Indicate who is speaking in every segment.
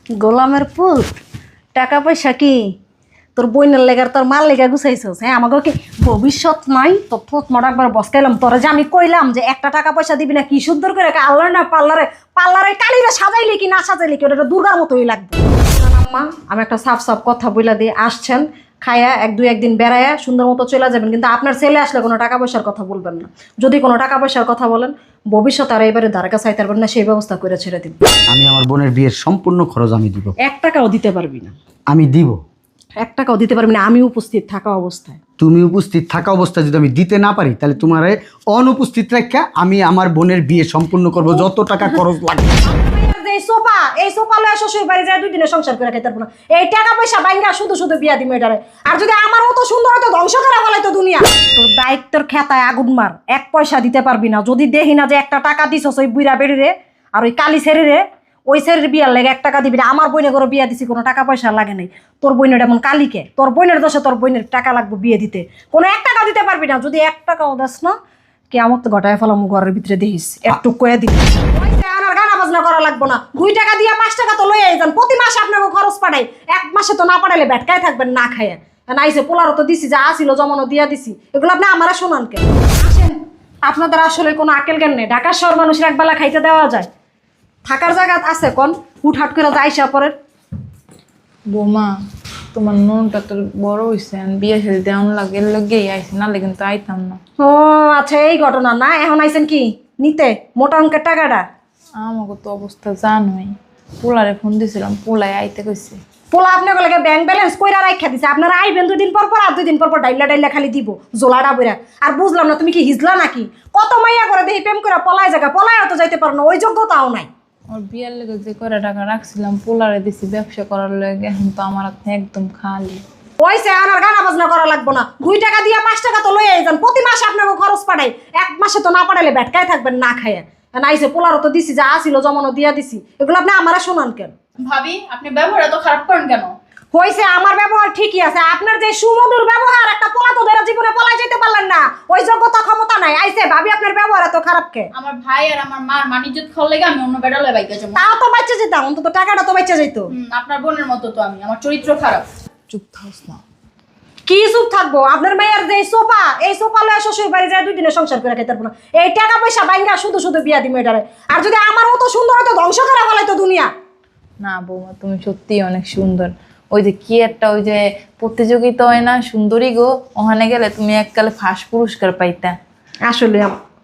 Speaker 1: গোলামের পুত টাকা পয়সা কি তোর বইনের লেগার তোর মার লেগা গুছাইছস? হ্যাঁ, আমাকে কি ভবিষ্যৎ নাই? তোর থোত মারা একবার বসকাইলাম তোরা, যে আমি কইলাম যে একটা টাকা পয়সা দিবি না, কি সুন্দর করে আল্লাহ না পার্লারে কালিরে সাজাইলি কি না সাজাইলি কি, ওটা দুর্গার মতোই লাগবে। আম্মা, আমি একটা সাফ সাফ কথা বইলা দিয়ে আসছেন, খায়া একদিন বেড়ায়া সুন্দর মতো চলে যাবেন, কিন্তু আপনার ছেলে আসলে কোনো টাকা পয়সার কথা বলবেন না। যদি কোনো টাকা পয়সার কথা বলেন, ভবিষ্যতে আর এবারে দ্বারকা চাইতে পারবেন না, সেই ব্যবস্থা করে ছেড়ে দিব।
Speaker 2: আমি আমার বোনের বিয়ের সম্পূর্ণ খরচ আমি দিব।
Speaker 1: 1 টাকাও দিতে পারবি না।
Speaker 2: আমি দিব।
Speaker 1: 1 টাকাও দিতে পারবি না, আমি উপস্থিত থাকা অবস্থায়।
Speaker 2: তুমি উপস্থিত থাকা অবস্থায় যদি আমি দিতে না পারি, তাহলে তোমার অনুপস্থিত রেখে আমি আমার বোনের বিয়ে সম্পূর্ণ করব, যত টাকা খরচ লাগে।
Speaker 1: এই সোফা লয়ে শ্বশুর বাড়ি যায় 2 দিনে সংসার করে খাইতে পারবো না। এই টাকা পয়সা বাইঙ্গা শুধু বিয়া দিমে এটারে। আর যদি আমার মতো সুন্দর হতো, ধ্বংস করে ফেলাইতো দুনিয়া। তোর দায়িত্বের খেতায় আগুন মার, 1 পয়সা দিতে পারবি না। যদি দেখি না যে 1 টাকা দিছস ওই বুইরা বেড়িরে আর ওই কালি ছেড়িরে, ওই ছেড়ির বিয়ার লেগে 1 টাকা দিবি না। আমার বইনে করে বিয়া দিছি, কোনো টাকা পয়সা লাগে নাই। তোর বইনের এমন কালিকে, তোর বইনের দোষে তোর বইনের টাকা লাগবে বিয়ে দিতে, কোনো 1 টাকা দিতে পারবি না। যদি 1 টাকাও দাস না, কে আমার তো ঘটায় ফেলাম ঘরের ভিতরে দেখিস, একটু কয়ে দিবি। গানা বাজনা করা লাগবো না, 2 টাকা দিয়ে 5 টাকা তো লইয়াই যান। প্রতি মাসে আপনাকে খরচ পাঠাই, 1 মাসে তো না পাঠাইলে ভেটকায় থাকবেন না খাইয়া। নাইছে পোলারও তো দিছি, যা আসিল জমানো দিয়া দিছি, এগুলো আপনি আমারা শোনান কেন? আসেন, আপনাদের আসলে কোনো আকেল জ্ঞান নেই। ঢাকার শহর মানুষের একবেলা খাইতে দেওয়া যায়? থাকার জায়গা আছে কোন? হুটহাট করে যাইসা পরে।
Speaker 3: বৌমা, তোমার নুনটা তো বড় হয়েছে, বিয়ে সাথে দেওয়ান লাগে, এর লগেই আইসি, নাহলে কিন্তু আইতাম না।
Speaker 1: ও আচ্ছা, এই ঘটনা না? এখন আইছেন কি নিতে মোটা অঙ্কের টাকাটা?
Speaker 3: আমাকে তো অবস্থা জানোই, পোলারে ফোন দিয়েছিলাম, পোলায় আইতে কইছে।
Speaker 1: পোলা আপনাকে লাগে ব্যাংক ব্যালেন্স কইরা রাখা দিছে। আপনারা আইবেন 2 দিন পর পর, আর 2 দিন পর পর ডাইলা খালি দিব জোলাটা বইরা। আর বুঝলাম না, তুমি কি হিজলা নাকি? কত মাইয়া করে দেখি প্রেম করে পলায় জায়গা, পলায় তো যাইতে পারো না, ওই যোগ্যতাও নাই।
Speaker 3: ওর বিয়ের লেগে যে করে টাকা রাখছিলাম, পোলারে দিছি ব্যবসা করার লেগে, এখন তো আমার হাতে একদম খালি।
Speaker 1: ওইসে আর গানা বাজনা করা লাগবো না। 2 টাকা দিয়ে 5 টাকা তো লইয়াই যান। প্রতি মাসে আপনাকে খরচ পাঠাই, 1 মাসে তো না পাঠাইলে ভেটকায় থাকবেন না খাইয়া। নাইছে পোলারও তো দিছি, যা আসিল জমানো দিয়া দিছি, এগুলো আপনি আমারা শোনান কেন?
Speaker 4: ভাবি, আপনি ব্যবহার এত খারাপ করেন কেন?
Speaker 1: হইছে, আমার ব্যবহার ঠিকই আছে। আপনার যে সুমধুর ব্যবহার, একটা পোলা তো ধরে জীবনে পলাই যেতে পারলেন না, ওই যোগ্যতা ক্ষমতা নাই। আইছে ভাবি, আপনার ব্যবহার এত খারাপ কে?
Speaker 4: আমার ভাই আর আমার মার মানিজ্জত খাওয়ার লেগে আমি অন্য বেড়ালে বাইকে যাবো।
Speaker 1: তাও তো বাচ্চা যেতাম, অন্তত টাকাটা তো বাচ্চা যেত।
Speaker 4: আপনার বোনের মতো তো আমি, আমার চরিত্র খারাপ।
Speaker 3: চুপ থাকস না।
Speaker 1: কি চুপ থাকবো? আপনার মেয়ের যে সোফা, এই সোফা লয়ে শ্বশুর বাড়ি যায় 2 দিনে সংসার করে খাইতে পারবো না। এই টাকা পয়সা বাইঙ্গা শুধু বিয়া দিমে এটারে। আর যদি আমার মতো সুন্দর হতো, ধ্বংস করে ফেলাইতো দুনিয়া।
Speaker 3: না বৌমা, তুমি সত্যি অনেক সুন্দর। ওই যে কি একটা ওই যে প্রতিযোগিতা হয় না, সুন্দরী গো, ওখানে গেলে তুমি এককালে ফার্স্ট পুরস্কার পাইতা।
Speaker 1: আসলে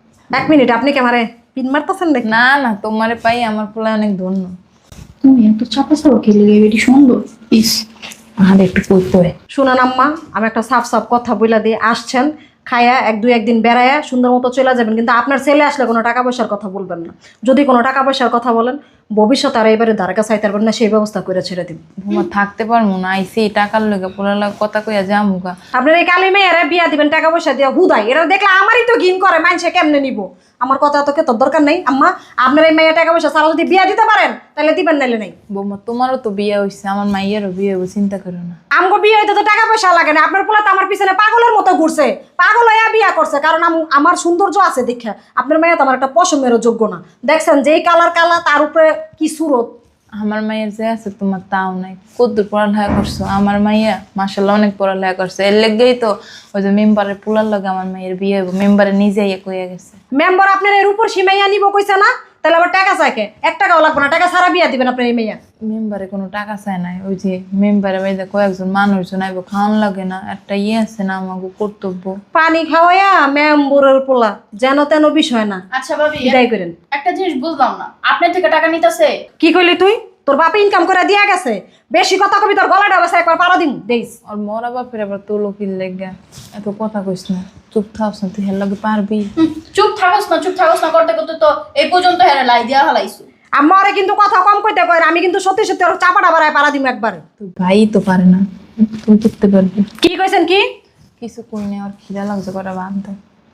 Speaker 1: 1 মিনিট, আপনি কি আমারে পিন মারতেছেন নাকি?
Speaker 3: না না, তোমারে পাই আমার পোলা অনেক ধন্য।
Speaker 4: তুমি এত চাপা চাপা খেলে বেটি সুন্দর ইস।
Speaker 3: আর একটু করতে হয়।
Speaker 1: শুনান আম্মা, আমি একটা সাফ সাফ কথা বইলা দিয়ে আসছেন, খায়া একদিন বেড়ায়া সুন্দর মতো চলে যাবেন, কিন্তু আপনার ছেলে আসলে কোনো টাকা পয়সার কথা বলবেন না। যদি কোনো টাকা পয়সার কথা বলেন, ভবিষ্যতে আর এবারে দ্বারকা চাইতে পারবেন না, সেই ব্যবস্থা করে ছেড়ে দিন।
Speaker 3: বৌমা থাকতে পারবো না, আইসি টাকার লগে পোলার লগে কথা কইয়া যামুগা।
Speaker 1: আপনার এই কালী মেয়েরা বিয়া দিবেন টাকা পয়সা দিয়ে হুদাই, এরা দেখলে আমারই তো ঘিন করে, মানুষে কেমনে নিব? আমার কথা তো তোর দরকার নেই আম্মা। আপনার এই মেয়ে টাকা পয়সা সারা যদি বিয়া দিতে পারেন, তাহলে দিবেন, নাইলে নাই।
Speaker 3: বৌমা তোমারও তো বিয়ে হয়েছে, আমার মাইয়েরও বিয়ে হইব, চিন্তা করো না।
Speaker 1: আমগো বিয়ে হইতে তো টাকা পয়সা লাগে না। আপনার পোলা তো আমার পিছনে পাগলের মতো ঘুরছে, পাগল হইয়া বিয়া করছে, কারণ আমার সৌন্দর্য আছে দেখে। আপনার মেয়ে তো আমার একটা পশমেরও যোগ্য না। দেখছেন যেই কালার তার উপরে কি সুরত।
Speaker 3: আমার মাইয়ের যে আছে তোমার তাও নাই। কদ্দুর পড়ালেখা করছো? আমার মাইয়া মাশাআল্লাহ অনেক পড়ালেখা করছে, এর লেগেই তো ওই যে মেম্বারের পোলার লগে আমার মাইয়ের বিয়ে হইব। মেম্বারে নিজেই কইয়া গেছে।
Speaker 1: মেম্বার আপনার এর উপর সীমাইয়া নিব কইছে না? তাহলে আবার টাকা চাইকে? 1 টাকাও লাগবে না, টাকা ছাড়া বিয়া দিবেন আপনার এই মেয়া।
Speaker 3: মেম্বারে কোনো টাকা চায় নাই, ওই যে মেম্বারে বাইরে কয়েকজন মানুষজন আইব, খাওয়ান লাগে না, একটা আছে না আমাকে কর্তব্য।
Speaker 1: পানি খাওয়াইয়া মেম্বরের পোলা যেন তেন বিষয় না।
Speaker 4: আচ্ছা ভাবি,
Speaker 1: বিদায় করেন।
Speaker 4: একটা জিনিস বুঝলাম না, আপনার থেকে টাকা নিতেছে?
Speaker 1: কি কইলি তুই? তোর বাপ ইনকাম করে দিয়া গেছে। বেশি কথা কবি, তোর গলাটা বসে একবার পাড়া দিম দেইস।
Speaker 3: আর মরা বাপের আবার তো লোকির লেগা এত কথা কইস না, চুপ থাকস না, তুই হের লগে পারবি?
Speaker 4: চুপ থাকস না করতে করতে তো এই পর্যন্ত হেরে লাই দিয়া হালাইছো।
Speaker 1: আমারে কিন্তু কথা কম কইতে কয়, আমি কিন্তু সত্যি সত্যি ওর চাপাটা বাড়ায় পাড়া দিম একবারে।
Speaker 3: তুই ভাই তো পারে না, তুই করতে পারবি?
Speaker 1: কি কইছেন? কি
Speaker 3: কিছু কই না, আর খিদা লাগছে, কটা বাদ দে।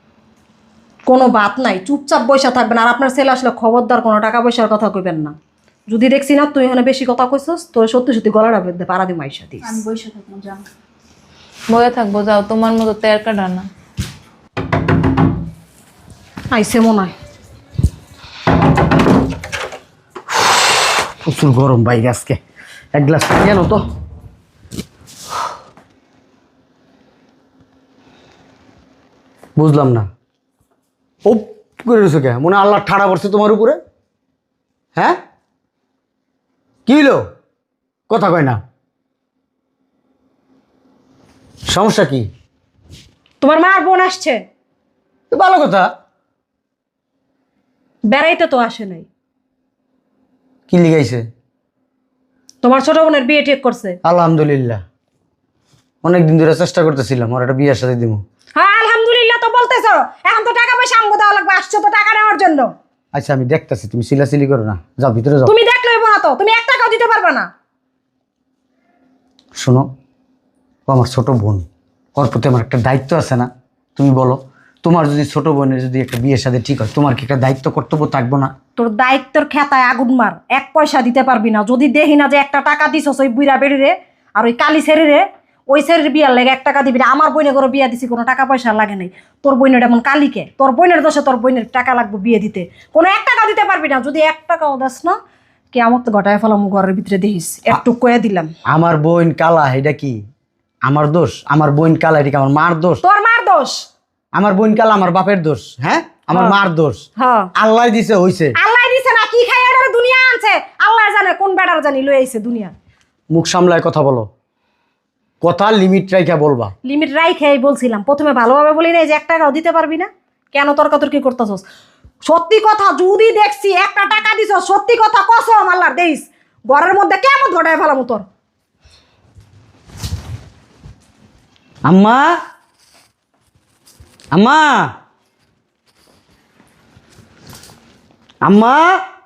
Speaker 1: কোনো বাত নাই, চুপচাপ বইসা থাকবেন। আর আপনার ছেলে আসলে খবরদার কোনো টাকা পয়সার কথা কইবেন না। যদি দেখছি না তুই এখানে বেশি কথা কইছস, তোর সত্যি সত্যি গলাটা বেঁধে পাড়া দিম আইসা দিস।
Speaker 4: আমি বসে থাকবো, জান।
Speaker 3: বয়ে থাকবো, যাও, তোমার মতো তের কাটা না।
Speaker 1: আইসে মনে হয়।
Speaker 2: প্রচুর গরম বাইরে আজকে। এক গ্লাস পানি আনো তো। বুঝলাম না, ও করে রয়েছে কে? মনে হয় আল্লাহ ঠাড়া পড়ছে তোমার উপরে। হ্যাঁ, কি হইলো? কথা কয় না, সমস্যা কি?
Speaker 1: তোমার মা আর বোন আসছে,
Speaker 2: তো ভালো কথা।
Speaker 1: বেড়াইতে তো আসে নাই।
Speaker 2: কি লিখাইছে?
Speaker 1: তোমার ছোট বোনের বিয়ে ঠিক করছে।
Speaker 2: আলহামদুলিল্লাহ, অনেকদিন ধরে চেষ্টা করতেছিলাম ওর একটা বিয়ের সাথে দিব।
Speaker 1: হ্যাঁ আলহামদুলিল্লাহ তো বলতেছো, এখন তো টাকা পয়সা আমগো দেওয়া লাগবে, আসছো তো টাকা নেওয়ার জন্য।
Speaker 2: আচ্ছা আমি দেখতেছি, তুমি সিলাসিলি করো না, যাও ভিতরে যাও।
Speaker 1: তুমি দেখলে হইবো না তো, তুমি 1 টাকাও দিতে পারবে না।
Speaker 2: শোনো, ও আমার ছোট বোন, ওর প্রতি আমার একটা দায়িত্ব আছে না? তুমি বলো, তোমার যদি ছোট বোনের যদি একটা বিয়ের সাথে ঠিক হয়, তোমার কি একটা দায়িত্ব কর্তব্য থাকবো না?
Speaker 1: তোর দায়িত্বের খেতায় আগুন মার, 1 পয়সা দিতে পারবি না। যদি দেখি না যে 1 টাকা দিছস ওই বুইরা বেড়িরে আর ওই কালি ছেড়িরে, ওই ছেড়ির বিয়ার লেগে 1 টাকা দিবি না। আমার বোনে করে বিয়া দিছি, কোনো টাকা পয়সা লাগে নাই। তোর বোনের এমন কালিকে, তোর বোনের দোষে তোর বোনের টাকা লাগবে বিয়ে দিতে, কোনো 1 টাকা দিতে পারবি না। যদি 1 টাকাও দাস না, কে আমার তো ঘটায় ফেলাম ঘরের ভিতরে দেখিস, একটু কয়ে দিলাম।
Speaker 2: আমার বোন কালা, এটা কি আমার দোষ? আমার বোন কালা, এটা কি আমার মার দোষ?
Speaker 1: তোর মার দোষ।
Speaker 2: আমার বোন কালা আমার বাপের দোষ? হ্যাঁ, আমার মার দোষ।
Speaker 1: হ্যাঁ,
Speaker 2: আল্লাহ দিছে, হইছে।
Speaker 1: আল্লাহ দিছে না, কি খাই আর দুনিয়া আনছে আল্লাহ জানে, কোন বেটার জানি লই আইছে দুনিয়া।
Speaker 2: মুখ সামলায় কথা বলো, কথা লিমিট রাইখা বলবা।
Speaker 1: লিমিট রাইখাই বলছিলাম, প্রথমে ভালোভাবে বলি না যে 1 টাকাও দিতে পারবি না, কেন তর্কাতর্কি করতেছস? সত্যি কথা যদি দেখছি 1 টাকা দিছ, সত্যি কথা কসম আল্লাহর দেইস, ঘরের মধ্যে কেমন ঘটায় ফেলাম তোর।
Speaker 2: আম্মা, আম্মা, আম্মা,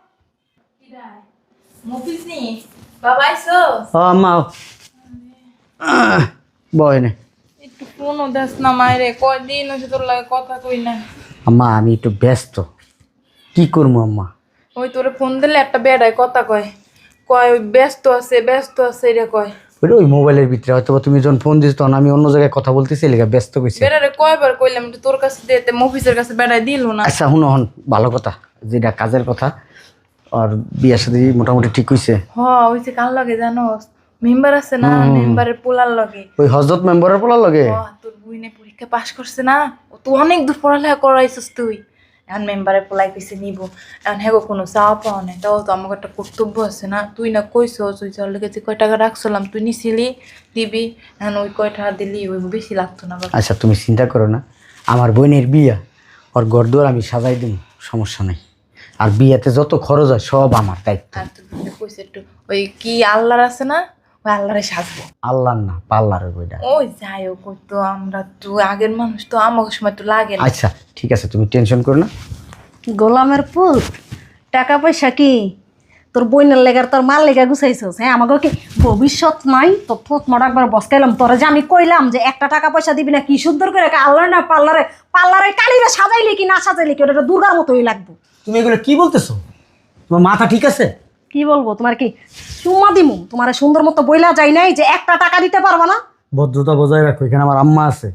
Speaker 3: মফিজ নি বাবা আইছো?
Speaker 2: ও আম্মা, বয় নে।
Speaker 3: একটু ফোনও দেস না মায়েরে, কয়দিন হচ্ছে তোর লাগে কথা কই না।
Speaker 2: আম্মা আমি একটু ব্যস্ত, কি করবো আম্মা?
Speaker 3: ওই তোরে ফোন দিলে একটা বেড়ায় কথা কয়, কয় ওই ব্যস্ত আছে এটা কয়।
Speaker 2: ওই মোবাইলের ভিতরে হয়তো বা তুমি যখন ফোন দিস তখন আমি অন্য জায়গায় কথা বলতেছি, লেগে ব্যস্ত কইছি।
Speaker 3: বেড়ারে কয়বার কইলাম একটু তোর কাছে দিতে, মফিজের কাছে বেড়ায় দিল না।
Speaker 2: আচ্ছা হুন হন, ভালো কথা, যেটা কাজের কথা, আর বিয়ের সাথে মোটামুটি ঠিক হইছে।
Speaker 3: হইছে কার লাগে জানোস? মেম্বার আছে না, মেম্বারের পোলার লগে।
Speaker 2: ওই হজরত মেম্বারের পোলার লগে।
Speaker 3: তোর বুইনে পরীক্ষা পাশ করছে না, ও তো অনেক দূর পড়ালেখা করাইছিস তুই। এখন মেম্বারের পোলাই কইছে নিব, এখন হ্যাঁ কোনো চাওয়া পাওয়া নেই, তাও তো আমাকে একটা কর্তব্য আছে না। তুই না কইছস ওই চল লেগেছে কয় টাকা রাখছিলাম, তুই নিছিলি দিবি, এখন ওই কয় টাকা দিলি, ওই বেশি লাগতো না বাবা।
Speaker 2: আচ্ছা তুমি চিন্তা করো না, আমার বোনের বিয়া, ওর ঘরদুয়ার আমি সাজাই দিব, সমস্যা নাই। আর বিয়াতে যত খরচ হয় সব আমার দায়িত্ব।
Speaker 3: আর তুই বুইনে কইছে একটু ওই কি আল্লাহর আছে না, ওই আল্লাহরে সাজবো।
Speaker 2: আল্লাহর না, পাল্লারের বইটা।
Speaker 3: ওই যাই হোক, ওই তো আমরা তো আগের মানুষ, তো আমাকে সময় তো লাগে না।
Speaker 2: আচ্ছা ঠিক আছে, তুমি টেনশন করো না।
Speaker 1: গোলামের পুত, টাকা পয়সা কি তোর বইনের লেগার তোর মার লেগা গুছাইছস? হ্যাঁ, আমাকে কি ভবিষ্যৎ নাই? তো থোতমাটা একবার বসকাইলাম তোরে, যে আমি কইলাম যে 1 টাকা পয়সা দিবি না, কি সুন্দর করে আল্লাহ না পার্লারে, পার্লারে কালিরে সাজাইলি কি না সাজাইলি কি, ওটা দুর্গার মতোই লাগবে।
Speaker 2: তুমি এগুলো কি বলতেছো? তোমার মাথা ঠিক আছে?
Speaker 1: কি বলবো, তোমার কি চুম্মা দিমু? তোমার সুন্দর মতো বইলা যাই নাই যে 1 টাকা দিতে পারবা না?
Speaker 2: ভদ্রতা বজায় রাখো, এখানে আমার আম্মা আছে।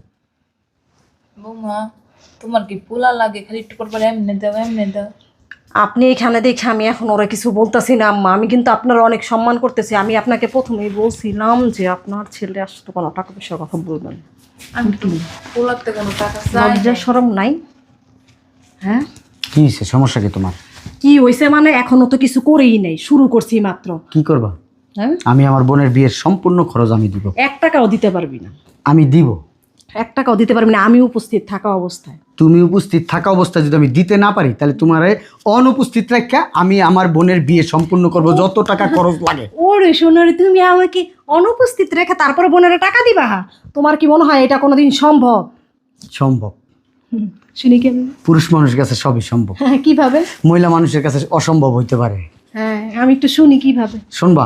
Speaker 3: বৌমা, তোমার কি পোলা লাগে? খালি একটু পর এমনি দাও, এমনি দাও।
Speaker 1: আপনি এখানে দেখে আমি এখন ওরা কিছু বলতেছি না আম্মা, আমি কিন্তু আপনার অনেক সম্মান করতেছি। আমি আপনাকে প্রথমেই বলছিলাম যে আপনার ছেলে আসলে কোনো টাকা পয়সার কথা বলবেন।
Speaker 3: আমি তো পোলাতে কোনো টাকা চাই
Speaker 1: লজ্জা শরম নাই? হ্যাঁ,
Speaker 2: কি হয়েছে, সমস্যা কি তোমার?
Speaker 1: কি হয়েছে মানে, এখনো তো কিছু করেই নাই, শুরু করছি মাত্র।
Speaker 2: কি করবা?
Speaker 1: হ্যাঁ,
Speaker 2: আমি আমার বোনের বিয়ের সম্পূর্ণ খরচ আমি দিব।
Speaker 1: 1 টাকাও দিতে পারবি না।
Speaker 2: আমি দিব।
Speaker 1: 1 টাকাও দিতে পারবি না, আমি উপস্থিত থাকা অবস্থায়।
Speaker 2: তুমি উপস্থিত থাকা অবস্থায় যদি আমি দিতে না পারি, তাহলে তোমার অনুপস্থিত রাখা আমি আমার বোনের বিয়ে সম্পূর্ণ করব, যত টাকা খরচ লাগে।
Speaker 1: ওরে সোনারে, তুমি আমাকে অনুপস্থিত রেখে তারপরে বোনের টাকা দিবা? তোমার কি মনে হয় এটা কোনোদিন সম্ভব?
Speaker 2: সম্ভব।
Speaker 1: শুনি কেন?
Speaker 2: পুরুষ মানুষের কাছে সবই সম্ভব,
Speaker 1: হ্যাঁ, কিভাবে?
Speaker 2: মহিলা মানুষের কাছে অসম্ভব হইতে পারে।
Speaker 1: হ্যাঁ, আমি একটু শুনি কিভাবে।
Speaker 2: শুনবা?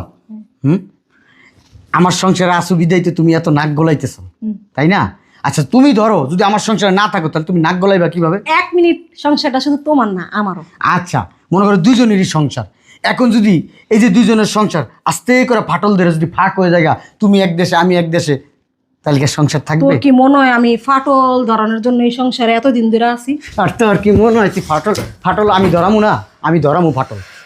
Speaker 2: আমার সংসারে আসু বিদায়তে তুমি এত নাক গলাইতেছো, তাই না? আচ্ছা তুমি ধরো যদি আমার সংসারে না থাকো, তাহলে তুমি নাক গলাইবা কিভাবে?
Speaker 1: 1 মিনিট, সংসারটা শুধু তোমার না আমারও।
Speaker 2: আচ্ছা মনে করো দুজনেরই সংসার, এখন যদি এই যে দুজনের সংসার আস্তে করে ফাটল ধরে যদি ফাঁক হয়ে যায়, তুমি এক দেশে আমি এক দেশে, তাহলে কি সংসার থাকবে?
Speaker 1: তোর কি মনে হয় আমি ফাটল ধরানোর জন্য এই সংসারে এতদিন ধরে আছি?
Speaker 2: আর তোর কি মনে হয় ফাটল ফাটল আমি ধরামু না? আমি ধরামু ফাটল।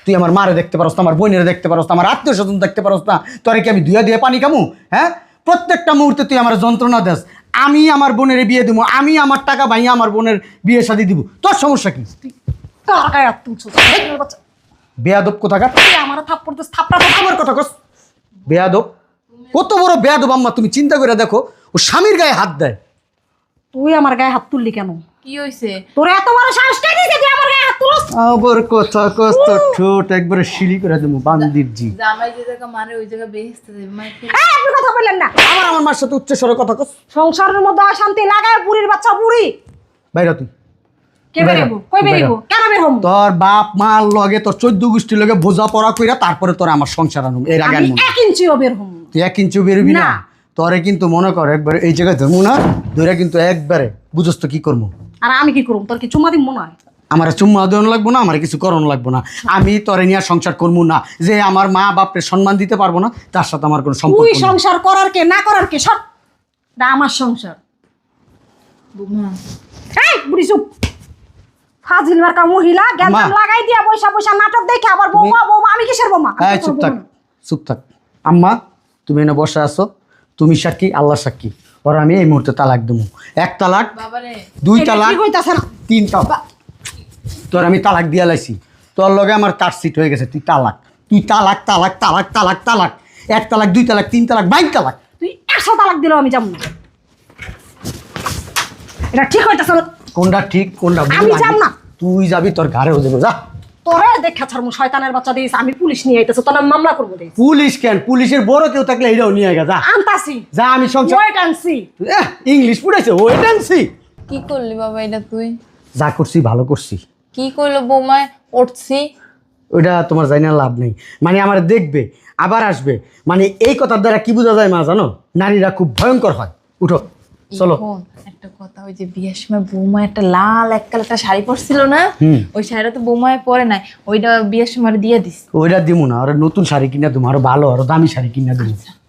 Speaker 2: তুই আমার মারে দেখতে পারস না, আমার বোনের দেখতে পারস না, আমার আত্মীয় স্বজন দেখতে পারস না, তোরে কি আমি ধুয়া দিয়ে পানি কামু? হ্যাঁ, প্রত্যেকটা মুহূর্তে তুই আমার যন্ত্রণা দেস। আমি আমার বোনের বিয়ে দিব, আমি আমার টাকা ভাইয়া আমার বোনের বিয়ে শাদী দিব, তোর সমস্যা কি?
Speaker 1: কার গায়ে হাত তুলছস? শয়তানের বাচ্চা।
Speaker 2: বেয়াদব কোথাকার।
Speaker 1: তুই আমার থাপ্পড় দিস, থাপ্পড়া
Speaker 2: আমার কথা কস। বেয়াদব, কত বড় বেয়াদব আম্মা, তুমি চিন্তা করে দেখো, ও স্বামীর গায়ে হাত দেয়।
Speaker 1: তুই আমার গায়ে হাত তুললি কেন?
Speaker 3: কি হইছে?
Speaker 1: তোর এত বড় সাহস কে দিয়েছে তুই আমার গায়ে হাত তুলস?
Speaker 2: আবার কথা কস, তোর ঠোঁট একবারে শিলি করে দেবো বান্দির জি।
Speaker 3: জামাই যে জায়গা মারে ওই জায়গা বেহেস্তে দেবে মাই কি?
Speaker 1: এই, আপনি কথা বললেন না।
Speaker 2: আমার মার সাথে উচ্চ স্বরে কথা কস।
Speaker 1: সংসারের মধ্যে অশান্তি লাগায় বুড়ির বাচ্চা বুড়ি।
Speaker 2: বাইরে তুই।
Speaker 1: কে বেরিব? কই বেরিব? কেন বের হম?
Speaker 2: তোর বাপ মার লগে, তোর 14 গোষ্ঠীর লগে বোঝা পড়া কইরা তারপরে তোর আমার সংসার আনুম। এর আগে
Speaker 1: আমি
Speaker 2: আনবো না।
Speaker 1: 1 ইঞ্চিও বের হম।
Speaker 2: তুই 1 ইঞ্চি বেরবি না।
Speaker 1: না।
Speaker 2: তোরে কিন্তু মনে কর একবারে এই জায়গায় ধরবো না, ধরে কিন্তু একবারে বুঝস তো কি করবো।
Speaker 1: আর আমি কি করব? তোর কি চুমা দিব মনে হয়?
Speaker 2: আমার চুম্মা দেওয়ানো লাগবো না, আমার কিছু করণ লাগবো না। আমি তোরে নিয়ে সংসার করবো না। যে আমার মা বাপরে সম্মান দিতে পারবো না, তার সাথে আমার কোনো সম্পর্ক
Speaker 1: তুই
Speaker 2: নেই।
Speaker 1: সংসার করার কে না করার কে সব এটা আমার সংসার।
Speaker 3: বুমা
Speaker 1: এই বুড়ি চুপ। ফাজিল মার্কা মহিলা জ্ঞান
Speaker 2: মা।
Speaker 1: লাগাই দিয়া পয়সা পয়সা নাটক দেখে আবার বৌমা বৌমা। আমি কিসের বৌমা? আমি
Speaker 2: এই
Speaker 1: তো
Speaker 2: চুপ
Speaker 1: তোর
Speaker 2: থাক,
Speaker 1: বৌমা না।
Speaker 2: চুপ থাক। আম্মা, তুমি এনে বসে আছো, তুমি সাক্ষী, আল্লাহ সাক্ষী। ওর আমি এই মুহূর্তে তালাক দেবো। 1 তালাক,
Speaker 3: বাবারে
Speaker 2: 2
Speaker 1: এটা
Speaker 2: তালাক,
Speaker 1: ঠিক হইতাছে না।
Speaker 2: 3 তালাক। তোর আমি তালাক দিয়া লাইছি। তোর লগে আমার কাটসিট হয়ে গেছে। তুই তালাক, তুই তালাক, তালাক, তালাক, তালাক, তালাক। 1 তালাক, 2 তালাক, 3 তালাক, 22 তালাক।
Speaker 1: তুই 100 তালাক দিলেও আমি যাব না। এটা ঠিক হইতাছে না।
Speaker 2: কোনটা ঠিক কোনটা ভুল?
Speaker 1: আমি যাব না।
Speaker 2: তুই যাবি, তোর ঘরে হয়ে যাবো। যা।
Speaker 1: তোরে দেখা ছাড়মু শয়তানের বাচ্চা দিস। আমি পুলিশ নিয়ে আইতেছে, তোর নামে মামলা করবো দিস।
Speaker 2: পুলিশ কেন? পুলিশের বড় কেউ থাকলে এটাও নিয়ে গেছে। যা
Speaker 1: আনতাছি।
Speaker 2: যা, আমি সংসার।
Speaker 1: Wait and see.
Speaker 2: ইংলিশ পড়েছে, ওয়েট অ্যান্ড সি।
Speaker 3: কি করলি বাবা এটা তুই?
Speaker 2: যা করছি ভালো করছি।
Speaker 3: কি কইলো বৌমায়? উঠছি
Speaker 2: ওইটা তোমার জানি না, লাভ নেই। মানে আমার দেখবে, আবার আসবে। মানে এই কথার দ্বারা কি বোঝা যায় মা জানো? নারীরা খুব ভয়ঙ্কর হয়। উঠো, চলো।
Speaker 3: এখন একটা কথা, ওই যে বিয়ের সময় বৌমা একটা লাল এককাল একটা শাড়ি পরছিল না, ওই শাড়িটা তো বৌমায় পরে নাই, ওইটা বিয়ের সময় দিয়ে দিস।
Speaker 2: ওইটা দিমু না, আর নতুন শাড়ি কিনা দেবো, আরো ভালো আরো দামি শাড়ি কিনা দেবো।